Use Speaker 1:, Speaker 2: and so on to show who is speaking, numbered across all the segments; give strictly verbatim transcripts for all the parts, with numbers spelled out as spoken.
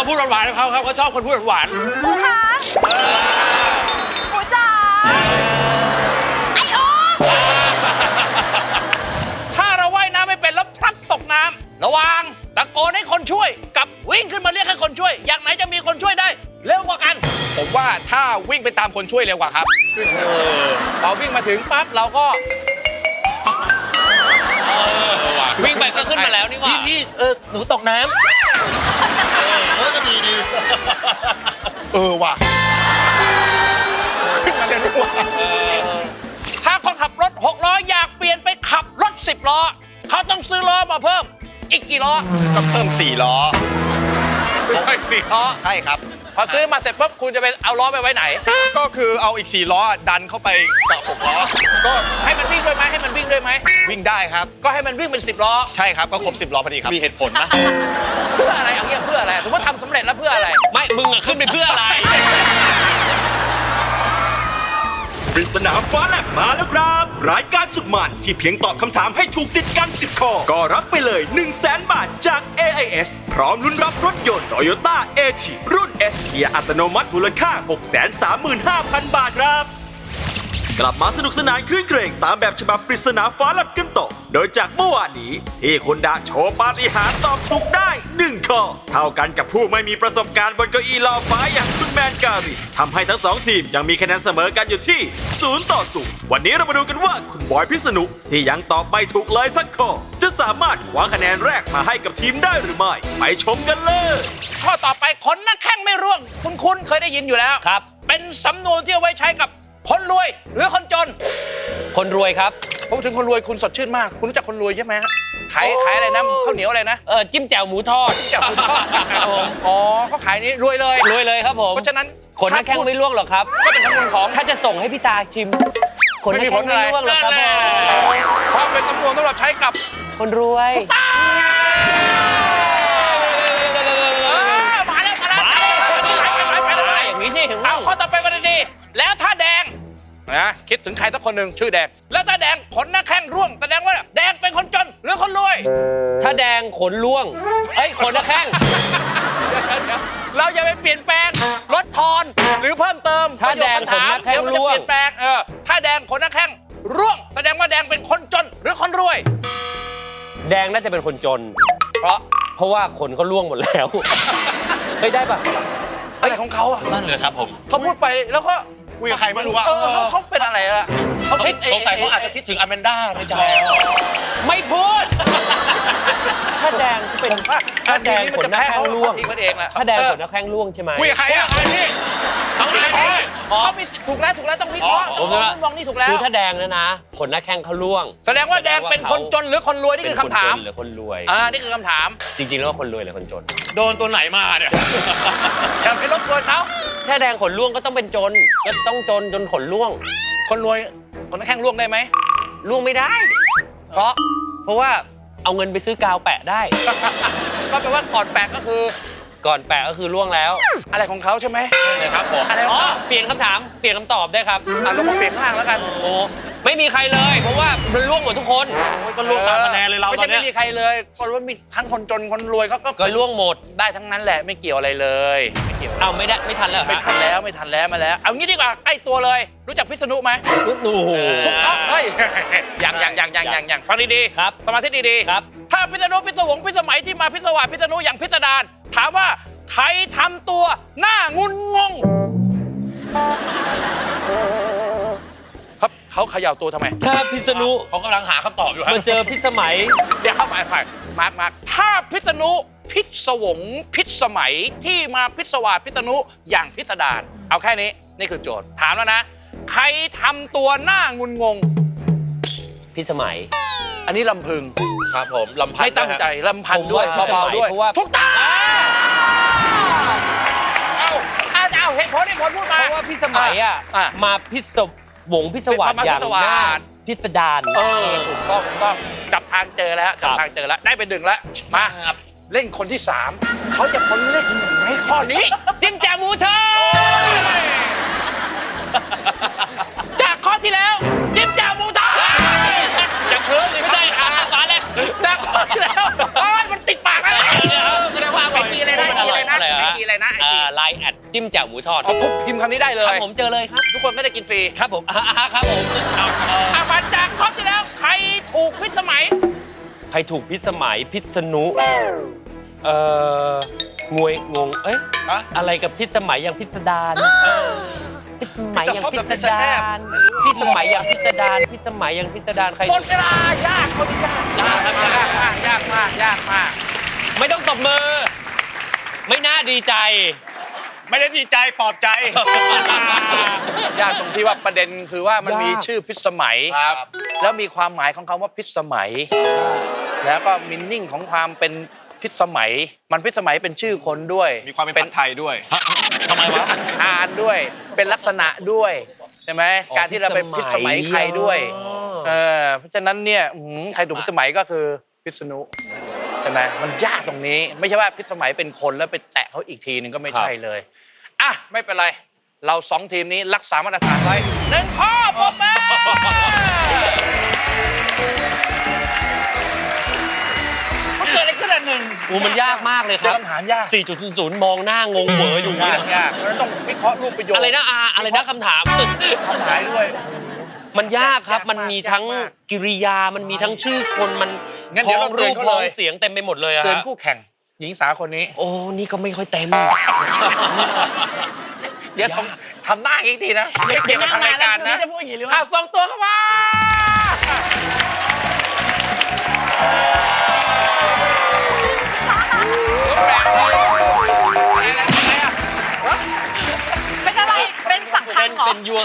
Speaker 1: พูดหวานๆเขาเขาเขาชอบคนพูดหวาน
Speaker 2: ปูคะปูจ๋าไอโอ
Speaker 3: ถ้าเราว่ายน้ำไม่เป็นแล้วพลัดตกน้ำระวังตะโกนให้คนช่วยกับวิ่งขึ้นมาเรียกให้คนช่วย อย่างไหนจะมีคนช่วยได้เร็วกว่ากัน
Speaker 1: ผมว่าถ้าวิ่งไปตามคนช่วยเร็วกว่าครับเออ
Speaker 3: พอวิ่งมาถึงปั๊บเราก็
Speaker 4: วิ่งไปก็ขึ้นมาแล้วนี่หว่า
Speaker 5: พี่พี่เออหนูตกน้ำเออก็ดีดีเออว่ะขึ้นมาเร็วดีกว่า
Speaker 3: ถ้าคนขับรถหกล้ออยากเปลี่ยนไปขับรถสิบล้อเขาต้องซื้อล้อมาเพิ่มอีกกี่ล้อ
Speaker 5: ก็เพิ่มสี่ล้อ
Speaker 3: ไม่สี่ล้อ
Speaker 5: ใช่ครับ
Speaker 3: พอซื้อมาเสร็จปุ๊บคุณจะไปเอาล้อไปไว้ไหน
Speaker 1: ก็คือเอาอีกสี่ล้อดันเข้าไปกับหกล้อก็
Speaker 3: ให้มันวิ่งด้วยไหมให้มันวิ่งด้วยไหม
Speaker 1: วิ่งได้ครับ
Speaker 3: ก็ให้มันวิ่งเป็นสิบล้อ
Speaker 1: ใช่ครับก็ครบสิบล้อพอดีครับ
Speaker 5: มีเหตุผลนะ
Speaker 3: เพื่ออะไรเอาเงี้ยเพื่ออะไรสมมติทำสำเร็จแล้วเพื่ออะไร
Speaker 4: ไม่ มึงอะขึ้นไปเพื่ออะไร
Speaker 6: ปริศนาฟ้าแลบมาแล้วครับ รายการสุดมันที่เพียงตอบคำถามให้ถูกติดกันสิบข้อก็รับไปเลย หนึ่งแสน บาทจาก เอ ไอ เอส พร้อมลุ้นรับรถยนต์ Toyota เอ ที รุ่น S เกียร์อัตโนมัติมูลค่า หกแสนสามหมื่นห้าพัน บาทครับ กลับมาสนุกสนานคลื่นเครงตามแบบฉบับปริศนาฟ้าแลบกันต่อ โดยจากเมื่อวานนี้ที่คุณดาโชว์ปาฏิหาริย์ตอบถูกได้หนึ่งข้อเท่ากันกับผู้ไม่มีประสบการณ์บนเก้าอี้ลอยฟ้าอย่างคุณแมนการิทำให้ทั้งสองทีมยังมีคะแนนเสมอกันอยู่ที่ศูนย์ต่อศูนย์วันนี้เรามาดูกันว่าคุณบอยพิษณุที่ยังตอบไม่ถูกเลยสักข้อจะสามารถคว้าคะแนนแรกมาให้กับทีมได้หรือไม่ไปชมกันเลย
Speaker 3: ข้อต่อไปขนหน้าแข้งไม่ร่วงคุณคุณเคยได้ยินอยู่แล้ว
Speaker 4: ครับ
Speaker 3: เป็นสำนวนที่เอาไว้ใช้กับคนรวยหรือคนจน
Speaker 4: คนรวยครับ
Speaker 3: ผมถึงคนรวยคุณสดชื่นมาก คุณรู้จักคนรวยใช่ไหมฮะขายขายอะไรนะข้าวเหนียวอะไรนะ
Speaker 4: เออจิ้มแจ่วหมูทอด
Speaker 3: จับคุณพ่อ
Speaker 4: ครับผม
Speaker 3: อ๋อเขาขายนี้รวยเลย
Speaker 4: รวยเลยครับผม
Speaker 3: เพราะฉะนั้น
Speaker 4: ขนหน้าแข้งไม่ร่วงหรอกครับ
Speaker 3: ก็เป็นสำนวนของ
Speaker 4: ถ้าจะส่งให้พี่ตาชิม ขนหน้าแข้งไม่ร่วงหรอกครับ
Speaker 3: นั่น
Speaker 4: ผ
Speaker 3: แหละ
Speaker 4: ม
Speaker 3: เพราะเป็นสำนวนสำหรับใช้กับ
Speaker 4: คนรวย
Speaker 3: ตามาแล้วมาแล้ว
Speaker 4: มา
Speaker 3: ไปเลยไปเลยไปเลย
Speaker 4: อย่างนี้สิถึง
Speaker 3: เอาข้อต่อไปวันดีๆแล้วถ้าแดงนะคิดถึงใครสักคนหนึ่งชื่อแดง แล้วถ้าแดงขนหน้าแข้งร่วงแสดงว่าแดงเป็นคนจนหรือคนรวย
Speaker 4: ถ้าแดงขนร่วง เอ้ยขนหน้าแข้ง
Speaker 3: เดี๋ยวเดี๋ยวเราอย่าไปเปลี่ยนแปลงลดทอนหรือเพิ่มเติม
Speaker 4: ถ้าแดงขนหน้าแข้ง
Speaker 3: เดี๋ยวมันจะ
Speaker 4: ร่วง
Speaker 3: เปลี่ยนแปลงเออถ้าแดงขนหน้าแข้งร่วง แสดงว่าแดงเป็นคนจนหรือคนรวย
Speaker 4: แดงน่าจะเป็นคนจน
Speaker 3: เพราะ
Speaker 4: เพราะว่าขนเขาร่วงหมดแล้วเฮ้ยได้ปะ
Speaker 3: อะไรของเขาอะ
Speaker 5: นั่นเลยครับผม
Speaker 3: เขาพูดไปแล้วก็
Speaker 5: คุยกับใครไม่รู้ว่า
Speaker 3: เออเขาเขาเป็นอะไรอะเขาคิด
Speaker 5: สงสัยเขาอาจจะคิดถึงอแมนด้าในใจ
Speaker 4: ไม่พูด ถ้าแดงเป็นถ้าแดงขนหน้าแข้งร่วง
Speaker 3: ทีมันเองแหละ
Speaker 4: ถ้าแดงขนหน้าแข้งร่วงใช่ไหม
Speaker 1: คุยกับใครอ่ะใครพี่
Speaker 3: เขามีใครเขามีสิทธิ์ถูกแล้วถูกแล้วต้องวิเคราะห์
Speaker 4: ผม
Speaker 3: ม
Speaker 4: ว่า
Speaker 3: องมองนี่ถูกแล้ว
Speaker 4: คือถ้าแดงนะนะขนหน้าแข้งเขาร่วง
Speaker 3: แสดงว่าแดงเป็นคนจนหรือคนรวยนี่คือคำถาม
Speaker 4: เป็นนจนหรือคนรวย
Speaker 3: อ่านี่คือคำถาม
Speaker 4: จริงๆแล้วว่าคนรวยหรือคนจน
Speaker 1: โดนตัวไหนมาเนี่ย
Speaker 3: อย่าไปรบกวนเขา
Speaker 4: ถ้าแดงขนร่วงก็ต้องเป็นจน ก็ต้องจนจนขนร่วง
Speaker 3: คนรวยคนนั้นแข้งร่วงได้ไหม
Speaker 4: ร่วงไม่ได้
Speaker 3: เพราะ
Speaker 4: เพราะว่าเอาเงินไปซื้อกาวแปะได้
Speaker 3: ก็แปลว่าก่อนแปลกก็คือ
Speaker 4: ก่อนแปะก็คือร่วงแล้ว
Speaker 3: อะไรของเขาใช่ไหม
Speaker 1: นะครับผม
Speaker 3: อะไรข
Speaker 4: อ๋
Speaker 3: อง
Speaker 4: อ
Speaker 3: เขา
Speaker 4: เปลี่ยนคำถาม เปลี่ยนคำตอบได้ครับ
Speaker 3: อ่ะลงมาเปลี่ยนข้างล่างแล้วกัน
Speaker 4: โอ้ไม่มีใครเลย เพราะว่ามันร่วงหมดทุกคน
Speaker 1: ก็รวมตามคะแนนเลยเรา
Speaker 3: ไม่
Speaker 1: ตอ
Speaker 3: ใช่
Speaker 1: นเนี้
Speaker 3: ไม่
Speaker 1: ย
Speaker 3: มีใครเลยคนว่ามีทั้งคนจนคนรวยเขาก็
Speaker 4: ก็ร่วงหมด
Speaker 3: ได้ทั้งนั้นแหละไม่เกี่ยวอะไรเลยไม่เกี่ยว
Speaker 4: เอาไม่ได้ไม่ทันแล้วเหรอ
Speaker 3: ไม่
Speaker 4: ฮะ
Speaker 3: ทันแล้วไม่ทันแล้วมาแล้ว เอางี้ดีกว่าใกล้ตัวเลย รู้จักพิษณุไหม
Speaker 4: โอ้โห
Speaker 3: ถูกต้องเฮ้ยอย่างอย่างอย่างอย่างอย่างอย่างฟังดีๆ
Speaker 4: ครับ
Speaker 3: สมาธิดีๆ
Speaker 4: ครับ
Speaker 3: ถ้าพิษณุพิศวงพิสมัยที่มาพิศวาสพิษณุอย่างพิสดารถามว่าใครทำตัวหน้างุนงงครับเขาเขย่าตัวทำไม
Speaker 4: ถ้าพิษณุ
Speaker 1: เขากำลังหาคำตอบอยู่ฮะ
Speaker 4: มาเจอพิสมัย
Speaker 3: เดี๋ยวเข้าไปไปมาร์กมาร์กถ้าพิษณุพิศวงพิสมัยที่มาพิศวาสพิษณุอย่างพิสดารเอาแค่นี้นี่คือโจทย์ถามแล้วนะ ใครทำตัวหน้างุนงง
Speaker 4: พิสมัย
Speaker 3: อันนี้ลำพึง
Speaker 1: ครับผมลำพันธ์
Speaker 3: ไม่ตั้งใจลำพันธ์ด้วย
Speaker 4: ผมว่าพิสมั
Speaker 3: เบายๆด้วย
Speaker 4: เพราะว่า
Speaker 3: ทุกตาเอาเอาเอาเหตุผลเหตุผลพูด
Speaker 4: เพ
Speaker 3: มา
Speaker 4: ราะว่าพิสมัยอ่ะ
Speaker 3: อ่ะ
Speaker 4: มาพิศวงพิศวาส
Speaker 3: มาพิ
Speaker 4: อย่าง
Speaker 3: ศวาส
Speaker 4: หน้าพิสดาร
Speaker 3: เออถูกต้องถูกต้องจับทางเจอแล้วจับ
Speaker 4: ครับ
Speaker 3: ทางเจอแล้วได้เป็นหนึ่งแล้วมาเล่นคนที่สามเขาจะพ้นเลขหนึ่งไหมข้อนี้
Speaker 4: จิ้มแจ่วหมูทอด
Speaker 3: จากข้อที่แล้วจิ้มแจ่วหมูทอด
Speaker 1: จะเคิร์ฟเลย
Speaker 3: ไม่ได้อ่ะมาแล้วจากข้อที่แล้วโอ้ยมันติดปากแล้วแสดงว่าเอาไปกีเลยนะกีเลยนะ
Speaker 4: อะไรฮะ
Speaker 3: จีอะไรนะไอจี
Speaker 4: ไลน์แอดจิ้มแจ่วหมูทอด
Speaker 3: เอาปุ๊บพิมพ์คำนี้ได้เล
Speaker 4: ครับ
Speaker 3: ย
Speaker 4: ผมเจอเลยครับ
Speaker 3: ทุกคนไม่ได้กินฟรี
Speaker 4: ครับผมอ่าครับผมเอาเอา
Speaker 3: อามาจากครบจะแล้วใครถูกพิษสมัย
Speaker 4: ใครถูกพิษสมัยพิษณุเอ่องวยงงเอ้ย
Speaker 3: อะ
Speaker 4: อะไรกับพิษสมัยอย่างพิสดารพิษสมัยอย่างพิสดารพิษสมัยอย่างพิสดารพิษสมัยอย่างพิสดารใคร
Speaker 3: หมดเวลายากคนนี้ยากยากยากมากยากมากยากมาก
Speaker 4: ไม่ต้องตบมือ ไม่น่าดีใจ
Speaker 1: ไม่ได้ดีใจปลอบใจ
Speaker 3: ยากตรงที่ว่าประเด็นคือว่ามัน
Speaker 4: ยาก
Speaker 3: มีชื่อพิษสมัย
Speaker 1: ครับ
Speaker 3: แล้วมีความหมายของคำว่าพิษสมัย แล้วก็มินนิ่งของความเป็นพิษสมัย มันพิษสมัยเป็นชื่อคนด้วย
Speaker 1: มีความเป็นผัดไทยด้วย
Speaker 3: ทำไมวะอาคารด้วย เป็นลักษณะด้วยใช่ไหมการที่เราเป็นพิษสมัยใครด้วยเออเพราะฉะนั้นเนี่ยอื้อหือใครถูกพิษสมัยก็คือพิษณุใช่ไหมมันยากตรงนี้ ไม่ใช่ว่าพิษสมัยเป็นคนแล้วไปแตะเขาอีกทีหนึ่งก็ไม่ใช่เลยอ่ะไม่เป็นไรเราสองทีมนี้รักษามาตรฐานไว้หนึ่งข้อผมมามันเกิดอะไรขึ้นอันหนึ่ง
Speaker 4: อูมันยากมากเลยครับ
Speaker 3: คำถามยาก
Speaker 4: สี่จุดศูนย์ มองหน้างงเหวออยู่
Speaker 3: ยา
Speaker 4: เนี่ย
Speaker 3: กยากเพราะฉะนั้นต้องวิเคราะห์รูปประโยค
Speaker 4: อะไรนะอาอะไรนะคำถาม
Speaker 3: คำถามด้วย
Speaker 4: มันยากครับ
Speaker 3: ยากมาก
Speaker 4: มันมีทั้ง
Speaker 3: ยากมาก
Speaker 4: กิริยา มันมีทั้งชื่อคนมัน
Speaker 3: งั้นเดี๋ยวเรา
Speaker 4: พ้องรูป
Speaker 3: เตือนเขา
Speaker 4: พ้อง
Speaker 3: เลย
Speaker 4: เสียงเต็มไปหมดเลยอะ
Speaker 3: เตือน
Speaker 4: ฮะ
Speaker 3: คู่แข่งหญิงสาวคนนี้
Speaker 4: โอ้นี่ก็ไม่ค่อยเต็ม
Speaker 3: เดี๋ยวทำทำหน้าอีกทีนะไม่เกี่ยวกับทางรายการนะ
Speaker 2: จะพูดอย่างนี้หรือ
Speaker 3: อ้า
Speaker 2: ว่า
Speaker 3: วส่งตัวเข้ามาแปลกเลยอะไรอะ
Speaker 2: เป็นอะไร เป็นสังคั
Speaker 4: เป็
Speaker 2: ง
Speaker 4: น
Speaker 2: เหรอ
Speaker 4: เป็นยัว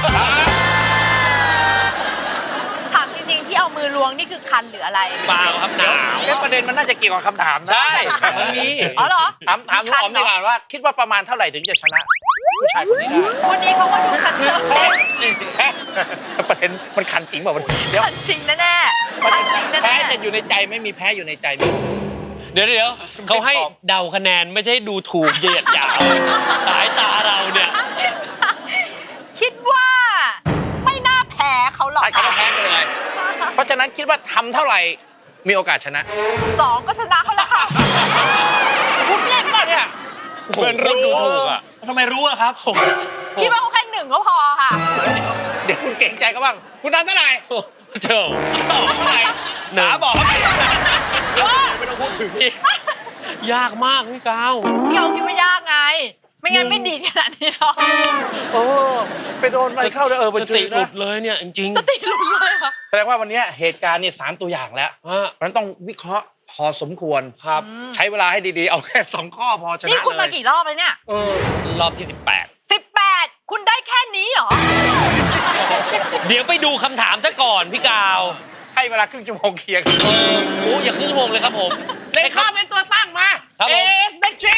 Speaker 2: ถามจริงๆที่เอามือล้วงนี่คือคันหรืออะไร
Speaker 4: เปล่าครับหนาว
Speaker 3: เอ๊ะประเด็นมันน่าจะเกี่ยวกับคำถามนะ
Speaker 4: ใช่มันมี
Speaker 2: อ๋อเหรอ
Speaker 3: ถามถามลุงอ๋อมดีกว่าว่าคิดว่าประมาณเท่าไหร่ถึงจะชนะผู้ชายคนนี้ได้
Speaker 2: วันนี้เขาก็ดูชัดเจน
Speaker 3: แพ้ประเด็นมันขันจริงเปล่าวันนี้เดี๋ยว
Speaker 2: ชันจริงแน่ๆชันจริง
Speaker 3: แพ้
Speaker 2: แน่
Speaker 3: จะอยู่ในใจไม่มีแพ้อยู่ในใจมี
Speaker 4: เดี๋ยวเดี๋ยวเขาให้เดาคะแนนไม่ใช่ดูถูกเหยียดหยามสายตาเราเนี่ย
Speaker 2: ๆคิดว่าไม่น่าแพ้เขาหรอก
Speaker 3: ตัดคำว่าแพ้ไปเลยเพราะฉะนั้นคิดว่าทำเท่าไหร่มีโอกาสชนะ
Speaker 2: สองก็ชนะเขาแล้วค่ะ
Speaker 3: พูดเล่นป่ะเนี่ย
Speaker 4: เหมือนรู้ดูถูกอ่ะ
Speaker 5: ทำไมรู้อะครับ
Speaker 2: คิดว่าเขาแค่หนึ่งก็พอค่ะ
Speaker 3: เดี๋ยวคุณเก่งใจก็บ้างคุณทำเท่าไหร่
Speaker 4: เจ้า
Speaker 3: เท่าไหร่
Speaker 4: หนึ่ง
Speaker 3: หาบอก
Speaker 4: ไม่ต้องพูดถึงยากมากพี่กาว
Speaker 2: พี่เอาคิดว่ายากไง ไม่งั้นไม่ดีขนาดนี้หรอก
Speaker 3: โอ้ไปโดนอะไรเข้าเลยเออ
Speaker 4: ส
Speaker 3: เป็นจุ
Speaker 4: ติ
Speaker 3: ด
Speaker 4: หลุ
Speaker 3: นะ
Speaker 4: ดเลยเนี่ยจริง
Speaker 2: สติหลุดเลยค่ะ
Speaker 3: แสดงว่าวันนี้เหตุการณ์เนี่ยสามตัวอย่างแล้ว
Speaker 4: ๆฮะ
Speaker 3: เพราะฉะนั้นต้องวิเคราะห์พอสมควร
Speaker 4: ครับ
Speaker 3: ใช้เวลาให้ดีๆ เอาแค่สองข้อพอชนะ
Speaker 2: นี่คุณ
Speaker 3: เล
Speaker 2: มาย กี่รอบแล้วเนี่ย
Speaker 3: เออ
Speaker 4: รอบที่สิบแปด
Speaker 2: สิบแปดคุณได้แค่นี้เหรอ
Speaker 4: เดี๋ยวไปดูคำถามซะก่อนพี่กาว
Speaker 3: ให้เวลาครึ่งชั่วโมงเคลียร์กัน
Speaker 4: เออโอ้อย่าครึ่งชั่วโมงเลยครับผม
Speaker 3: เลข้าเป็นตัวตั้งมา
Speaker 4: ครับ
Speaker 3: เอ
Speaker 4: ผม
Speaker 3: สเดชี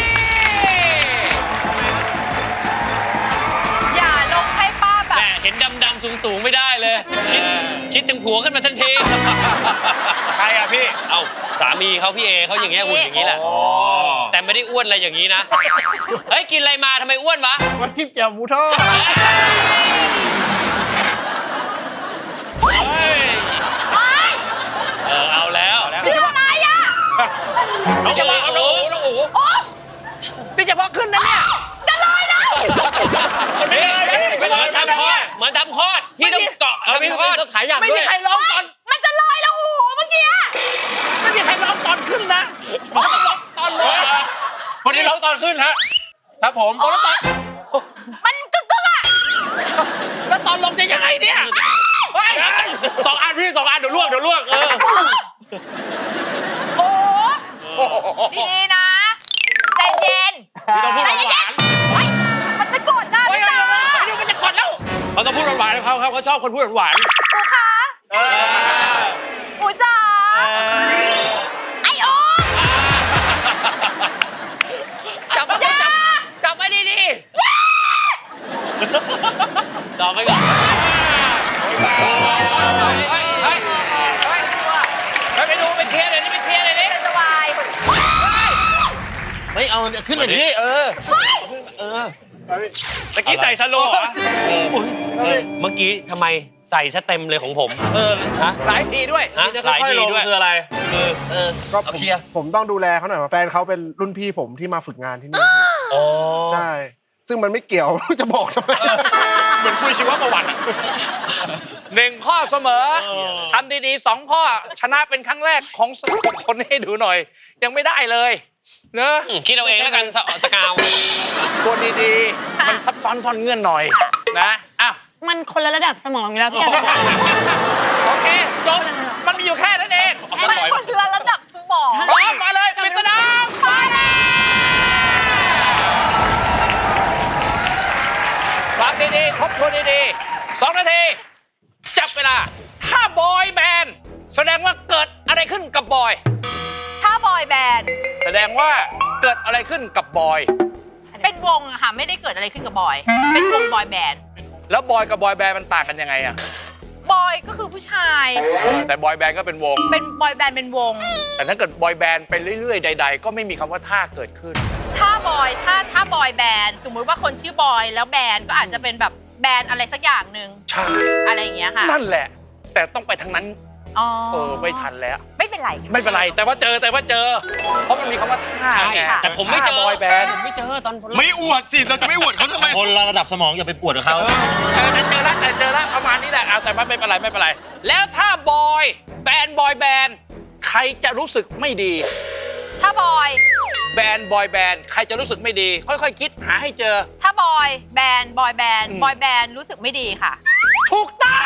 Speaker 2: อย่าลงให้ป้าแบบ
Speaker 4: แหมเห็นดำๆสูงๆไม่ได้เลย คิดคิดถึงผัวขึ้นมาทันที
Speaker 1: ใครอ่ะพี่
Speaker 4: เอ้าสามีเขาพี่เอเขาอย่างเงี้ยหุ่นอย่างนี้แหละ
Speaker 1: อ๋อ
Speaker 4: แต่ไม่ได้อ้วนอะไรอย่างนี้นะ เฮ้ย กินอะไรมาทำไมอ้วนวะ
Speaker 5: วันทิพย์แจ่วหมูทอด
Speaker 4: เออ เอาแล้ว
Speaker 2: ชื่ออะไรอ่ะ
Speaker 3: น้องอู๋น้องอู๋น้องอู๋
Speaker 2: โอ๊ย
Speaker 3: นี่เฉพาะขึ้นนะเนี่ย
Speaker 2: จะลอยแล้ว
Speaker 4: เฮ้ยเหมือนทำคลอดเหมือนทำคลอดพี่ต้องเกาะ
Speaker 3: เออมี
Speaker 4: ทำคลอด
Speaker 3: ต้องขายอย่างด้วยไม่มีใครร้องตอน
Speaker 2: มันจะลอยแล้วโอ้โหเมื่อกี้
Speaker 3: ไม่มีใครร้องตอนขึ้นนะร้องตอนลง
Speaker 1: คนนี้ร้องตอนขึ้นฮะ ครับผม
Speaker 2: โอ้มันกึกกึกอ่ะ
Speaker 3: แล้วตอนลงจะยังไงเนี่ยเฮ้ย
Speaker 1: สองอันพี่สองอันเดี๋ยวลวกเดี๋ยวลวกเออ
Speaker 2: โอ้ดีๆนะใจเย็น
Speaker 1: พี่ต้องพูด
Speaker 2: ใจ
Speaker 1: ห
Speaker 2: เย็
Speaker 1: วาน
Speaker 2: นเฮ้ยมันจะกดหน้า
Speaker 3: เฮ้ย
Speaker 2: พี่
Speaker 3: เดี๋ยว
Speaker 2: ตา
Speaker 3: เดี๋ยวมันจะกดแล้ว
Speaker 1: ๆเขาต้องพูดหวานๆเขาเขาเขาชอบคนพูดหวาน
Speaker 2: ครูคะ
Speaker 1: ๆเออ
Speaker 2: ครูจ๋าไอโอ
Speaker 3: จับไว้จับจับไว้ดี
Speaker 4: ต่อไปก่อน
Speaker 3: ๆเฮ้ยเฮ้ยเฮ้ยเฮ้ยไปดูไปเคลียร์เลยนี่ไปเคลียร์เลยนี่
Speaker 2: จะวาย
Speaker 5: ไม่เอาขึ้นไปดิเออ เออ
Speaker 1: ตะกี้ใส่สโลว์เหรอ
Speaker 4: เมื่อกี้ทำไมใส่ซะเต็มเลยของผม
Speaker 5: เออ
Speaker 4: ฮะ
Speaker 3: หลายทีด้วย
Speaker 4: ฮะ
Speaker 5: นี่
Speaker 4: หลาย
Speaker 5: ค่อย
Speaker 4: ที
Speaker 5: ๆลง
Speaker 4: ด้วย
Speaker 5: คืออะไร
Speaker 4: คือ
Speaker 5: เออ
Speaker 7: ก็
Speaker 5: เอา
Speaker 7: ผม
Speaker 5: เคลียร์
Speaker 7: ผมต้องดูแลเขาหน่อยว่าแฟนเขาเป็นรุ่นพี่ผมที่มาฝึกงานที่นี่พี่
Speaker 4: อ๋อ
Speaker 7: ใช่ ซึ่งมันไม่เกี่ยว จะบอกทำไม
Speaker 5: เหมือนคุยชีวประวัติอะ
Speaker 3: หนึ่งข้อเสมอทำดีๆสองข้อ ชนะเป็นครั้งแรกของคนให้ดูหน่อย ยังไม่ได้เลยเนอะ
Speaker 4: อืมคิดเอาเองแล้วกันสสกาว
Speaker 3: ตัวดีๆ มันซับซ้อนซ่อนเงื่อนหน่อยนะอ้าว
Speaker 2: มันคนละระดับสมองอยู่แล้วพี่แอน
Speaker 3: โอเคจบมันมีอยู่แค่นั้นเอง
Speaker 2: มันคนละระดับสมอง
Speaker 3: พร้อมมาเลยปริศนาฟ้าแลบฟังดีๆทบทวนดีๆสองนาที จับเวลา ถ้าบอยแบนด์แสดงว่าเกิดอะไรขึ้นกับบอย
Speaker 2: ถ้าบอยแบนด์
Speaker 3: แสดงว่าเกิดอะไรขึ้นกับบอย
Speaker 2: เป็นวงอะค่ะไม่ได้เกิดอะไรขึ้นกับบอย เป็นวงบอยแบนด์
Speaker 3: แล้วบอยกับบอยแบนด์มันต่างกันยังไงอะ
Speaker 2: บอยก็คือผู้ชาย
Speaker 3: เออแต่บอยแบนด์ก็เป็นวง
Speaker 2: เป็นบอยแบนด์เป็นวง
Speaker 3: แต่ถ้าเกิดบอยแบนด์ไปเรื่อยๆ ใด ๆ ก็ไม่มีคำว่าท่าเกิดขึ้น
Speaker 2: ถ้าบอยถ้าถ้าบอยแบนด์สมมุติว่าคนชื่อบอยแล้วแบนด์ก็อาจจะเป็นแบบแบนด์อะไรสักอย่างหนึ่ง
Speaker 3: ใช่
Speaker 2: อะไรอย่างเงี้ยค่ะ
Speaker 3: นั่นแหละ แต่ต้องไปทางนั้น
Speaker 2: อ๋อ
Speaker 3: เออไม่ทันแล้ว
Speaker 2: ไม่เป็นไร
Speaker 3: ไม่เป็นไร แต่ว่าเจอแต่ว่าเจอ เพราะมันมีคำว่าท่า
Speaker 4: ใช่
Speaker 3: ไง
Speaker 4: แต่ผมไม่เจอ
Speaker 3: ท่าบอยแบนด์
Speaker 4: ผมไม่เจอตอน
Speaker 5: ไม่อวดสิ เราจะไม่อวดเขาทำไม คนละระดับสมองอย่าไปอวดกับเขา
Speaker 3: เจอแต่เจอแล้วแต่เจอแล้วประมาณนี้แหละเอาแต่ไม่เป็นไรไม่เป็นไร แล้วถ้าบอยแบนด์บอยแบนด์ใครจะรู้สึกไม่ดี
Speaker 2: ถ้าบอย
Speaker 3: แบนด์บอยแบนด์ใครจะรู้สึกไม่ดี ค่อยๆคิดหาให้เจอ
Speaker 2: ถ้าบอยแบนด์บอยแบนด์
Speaker 3: อืม
Speaker 2: บอยแบนด์รู้สึกไม่ดีค่ะ
Speaker 3: ถูกต้อง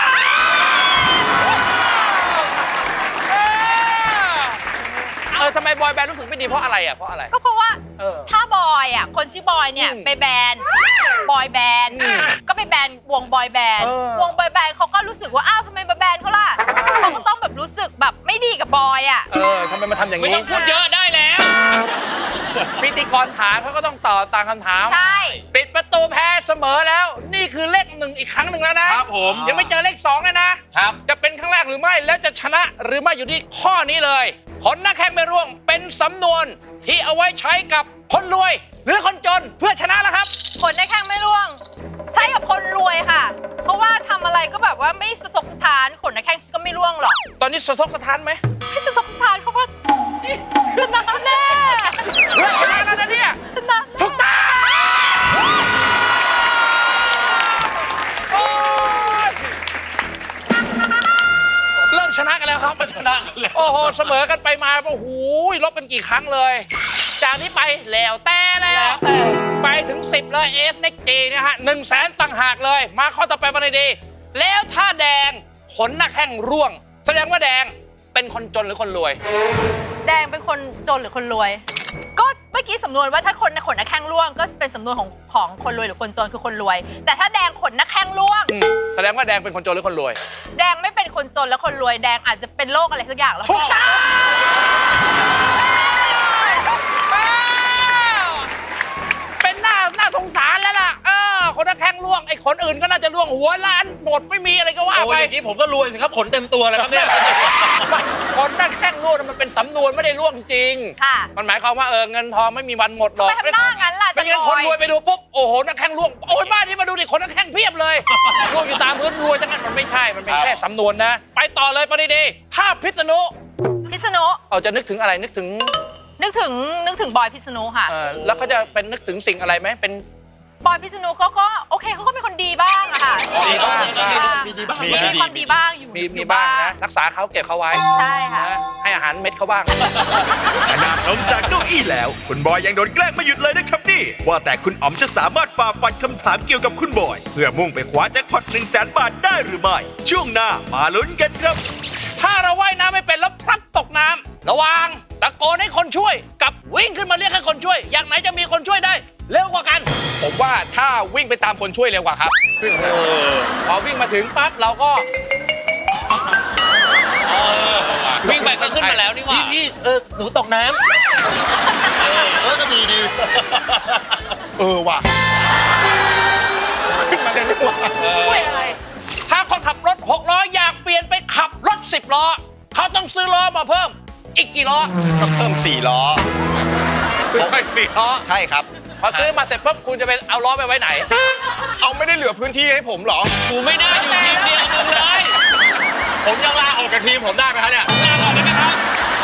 Speaker 3: เออเออทำไมบอยแบนด์รู้สึกไม่ดีเพราะอะไรอ่ะเพราะอะไร
Speaker 2: ก็เพราะว่า
Speaker 3: เออ
Speaker 2: ถ้าบอยอ่ะคนชื่อบอยเนี่ย
Speaker 3: อืม
Speaker 2: ไปแบนด์บอยแบนด์
Speaker 3: อืม
Speaker 2: ก็ไปแบนด์วงบอยแบนด์
Speaker 3: เออ
Speaker 2: วงบอยแบนด์เขาก็รู้สึกว่าอ้าวทำไมมาแบนด์เขาล่ะเขาก็ต้องแบบรู้สึกแบบไม่ดีกับบอยอ่ะ
Speaker 3: เออทำไมมาทำอย่าง
Speaker 4: ไม่
Speaker 3: นี้
Speaker 4: ต้องพูดเยอะได้แล้ว
Speaker 3: พิธีกรถามเขาก็ต้องตอบตามคำถาม
Speaker 2: ใช่
Speaker 3: ปิดประตูแพ้เสมอแล้ว นี่คือเลขหนึ่งอีกครั้งหนึ่งแล้วนะครับ
Speaker 5: ผม
Speaker 3: ยังไม่เจอเลขสองเลยนะ
Speaker 5: ครับ
Speaker 3: จะเป็นครั้งแรกหรือไม่ แล้วจะชนะหรือไม่อยู่ที่ข้อนี้เลยผลหน้าแข้งไม่ร่วงเป็นสำนวนที่เอาไว้ใช้กับคนรวย หรือคนจนเพื่อชนะแล้วครับ
Speaker 2: คนได้แข้งไม่ร่วง ใช่กับคนรวยค่ะ เพราะว่าทำอะไรก็แบบว่าไม่สะทกสถานขนในแข้งก็ไม่ร่วงหรอก
Speaker 3: ตอนนี้สะทกสะท้านไหม
Speaker 2: ไม่สะทกสถานเขาว่าชนะแน่
Speaker 3: เพื่อชนะแล้วนะเนี่ย
Speaker 2: ชนะ
Speaker 3: ถูกต้องโอ้ยเริ่มชนะกันแล้วครับชนะกันแล้วโอ้โหเสมอกันไปมาโอ้โหลบกันกี่ครั้งเลย จากนี้ไปแล้วแต่แล้วไปถึงสิบเลยเอสเน็กจีนะฮะหนึ่งแสนต่างหากเลย มาข้อต่อไปมาเลยดี แล้วถ้าแดงขนหน้าแข้งร่วง แสดงว่าแดงเป็นคนจนหรือคนรวย
Speaker 2: แดงเป็นคนจนหรือคนรวย ก็เมื่อกี้สำนวนว่าถ้าคนขนหน้าแข้งร่วง ก็เป็นสำนวนของของคนรวยหรือคนจนคือคนรวย แต่ถ้าแดงขนหน้าแข้งร่วง
Speaker 3: อืมแสดงว่าแดงเป็นคนจนหรือคนรวย
Speaker 2: แดงไม่เป็นคนจนและคนรวยแดงอาจจะเป็นโรคอะไรสักอย่างแล้ว
Speaker 3: ถูกต้องเป็นหน้าหน้าสงสารแล้วล่ะเออคนหน้าแข้งร่วงไอ้คนอื่นก็น่าจะร่วงหัวล้านหมดไม่มีอะไรก็ว่า
Speaker 5: โอ้
Speaker 3: ไป
Speaker 5: ยอย่างนี้ผมก็รวยสิครับ ขนเต็มตัวเลยครับเนี่ย
Speaker 3: คนหน้าแข้งร่วงน่ะมันเป็นสำนวนไม่ได้ร่วงจริง
Speaker 2: ค่ะ
Speaker 3: มันหมายความว่าเออเงินทองไม่มีวันหมดหรอก
Speaker 2: ทำไมทำหน้างั้นล่ะ
Speaker 3: เป็นเงิน
Speaker 2: จะ
Speaker 3: ค
Speaker 2: ร
Speaker 3: น
Speaker 2: วย
Speaker 3: รวยไปดูปุ๊บโอ้โหหน้าแข้งร่วงโอ้ยบ้านนี้มาดูดิคนหน้าแข้งเพียบเลยร่วงอยู่ตามพื้นรวยทั้งนั้นมันไม่ใช่มันเป็นแค่สำนวนนะ ไปต่อเลยปริดีถ้าพิษณุ
Speaker 2: พิษณุ
Speaker 3: เอาจะนึกถึงอะไรนึกถึง
Speaker 2: นึกถึงนึกถึงบอยพิษณุค่ะ
Speaker 3: เออแล้วเขาจะเป็นนึกถึงสิ่งอะไรไหมเป็น
Speaker 2: บอยพิษณุเขาก็โอเคเขาก็เป็นคนดีบ้างอะค่ะ
Speaker 3: ดีบ้าง
Speaker 5: มีดีบ้าง
Speaker 2: มีมีความดีบ้างอยู่
Speaker 3: มี
Speaker 2: อยู่
Speaker 3: มีบ้างนะรักษาเขาเก็บเขาไว้
Speaker 2: ใช่ค่ะ
Speaker 3: นะให้อาหารเม็ดเขาบ้าง
Speaker 6: ขนาดลงจากเก้าอี้แล้ว คุณบอยยังโดนแกล้งไม่หยุดเลยนะครับนี่ ว่าแต่คุณอ๋อมจะสามารถฝ่าฟันคำถามเกี่ยวกับคุณบอย เพื่อมุ่งไปคว้าแจ็คพอตหนึ่งแสนบาทได้หรือไม่ ช่วงหน้ามาลุ้นกันครับ
Speaker 3: ถ้าเราว่ายน้ำไม่เป็นแล้วพลัดตกน้ำระวังตะโกนให้คนช่วย กับวิ่งขึ้นมาเรียกให้คนช่วย อย่างไหนจะมีคนช่วยได้เร็วกว่ากัน
Speaker 1: ผมว่าถ้าวิ่งไปตามคนช่วยเร็วกว่าครับ
Speaker 3: พอวิ่งมาถึงปั๊บเราก็
Speaker 4: วิ่งไปก็ขึ้นมาแล้วนี่หว่า
Speaker 5: พี่พี่เออหนูตกน้ำเออเออก็ดีดี
Speaker 1: เออว่ะ ขึ้นมาได้ด้วยว่ะ
Speaker 2: ช่วยอะไร
Speaker 3: ถ้าคนขับรถหกล้ออยากเปลี่ยนไปขับรถสิบล้อเขาต้องซื้อล้อมาเพิ่ม อีกกี่ล้อ
Speaker 1: ต้องเพิ่มสี่ล้อ
Speaker 3: ซื้อไปสี่ล้อ
Speaker 1: ใช่ครับ
Speaker 3: พอซื้อมาเสร็จปุ๊บคุณจะไปเอาล้อไปไว้ไหน
Speaker 1: เอาไม่ได้เหลือพื้นที่ให้ผมเหรอ
Speaker 4: กูไม่น่าอยู่ทีมเดียวมึงเลย
Speaker 5: กับทีมผมได้ไหมครับเนี่ย
Speaker 3: ลาก่อนได้ไหมครับ